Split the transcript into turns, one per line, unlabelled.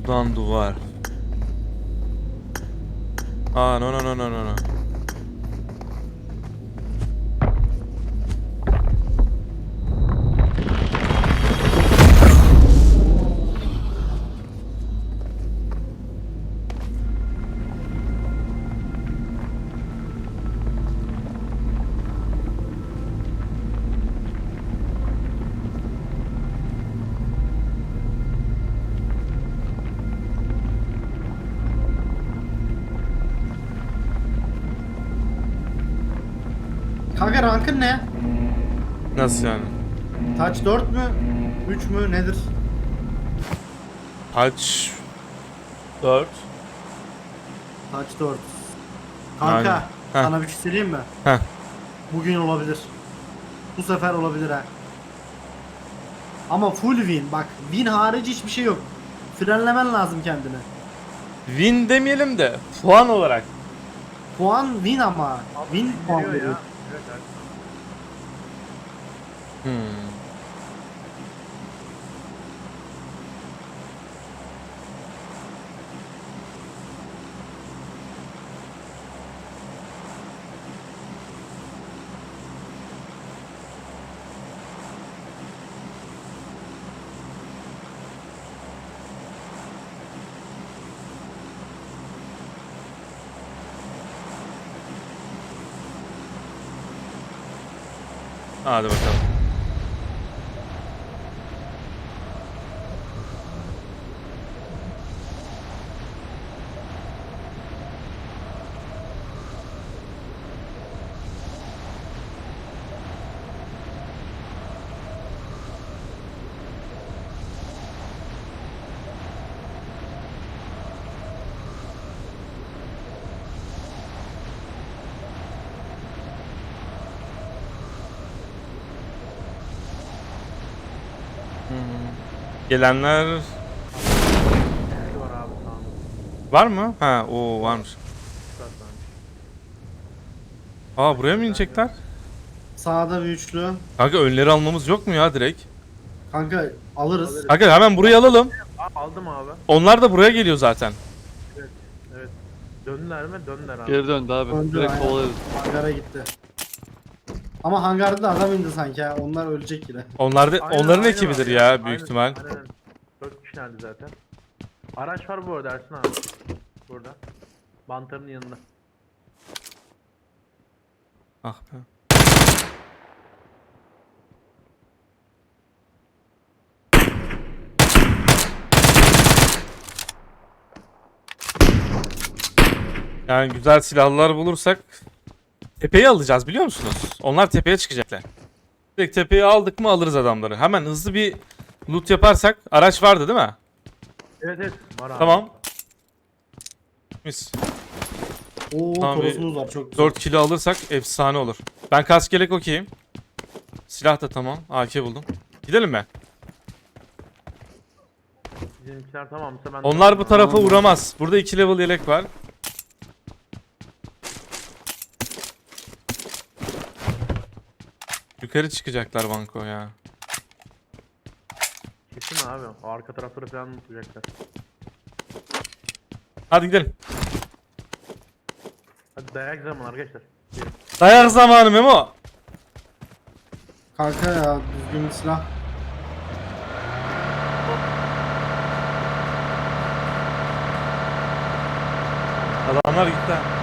Buradan duvar. Aa no no no no no no.
Kanka rankın ne?
Nasıl yani?
Touch 4 mü? 3 mü? Nedir?
Kaç? 4.
Touch 4. Kanka
Aynen. Heh.
sana bir şey söyleyeyim mi?
Heh.
Bugün olabilir. Bu sefer olabilir ha. Ama full win. Bak win harici hiçbir şey yok. Frenlemen lazım kendini.
Win demeyelim de puan olarak.
Puan win ama. Win puan
Geliyor
veriyor.
ya. Evet, evet.
Hmm. Hadi bakalım. Gelenler
Şey var abi tamam.
var mı? Ha, o varmış.
Zaten.
Aa, buraya mı inecekler?
Sağda bir üçlü.
Kanka önleri almamız yok mu ya direkt?
Kanka alırız.
Kanka hemen burayı alalım.
Aa, aldım abi.
Onlar da buraya geliyor zaten.
Evet. Evet. Döndüler mi? Döndüler abi.
Geri döndü abi.
Döndü,
Direkt
aynen.
kovalarız.
Hangara gitti. Ama hangarda da adam indi sanki ha. Onlar ölecek yine.
Onlar da
Aynen,
onların
aynen
ekibidir
abi.
ya büyük
Aynen,
ihtimal.
Aynen. 4 kişilerdi zaten. Araç var bu arada Ersin abi. Burada. Bantarın yanında.
Ah be. Yani güzel silahlar bulursak tepeyi alacağız biliyor musunuz? Onlar tepeye çıkacaklar. Direkt tepeyi aldık mı alırız adamları. Hemen hızlı bir loot yaparsak. Araç vardı değil mi?
Evet evet. Var abi.
Tamam. Mis.
Oo
Tamam,
torosumuz var çok güzel.
4 kilo alırsak efsane olur. Ben kask yelek okeyim. Silah da tamam. AK buldum. Gidelim mi?
Bizimkiler tamamsa ben...
Onlar bu tarafa
Tamam.
uğramaz. Burada 2 level yelek var. Yukarı çıkacaklar banko ya.
Kesin abi. O arka tarafları falan tutacaklar.
Hadi gidelim.
Hadi dayak zamanı arkadaşlar. Gelin.
Dayak zamanı Memo.
Kanka ya düzgün bir silah.
Adamlar gitti.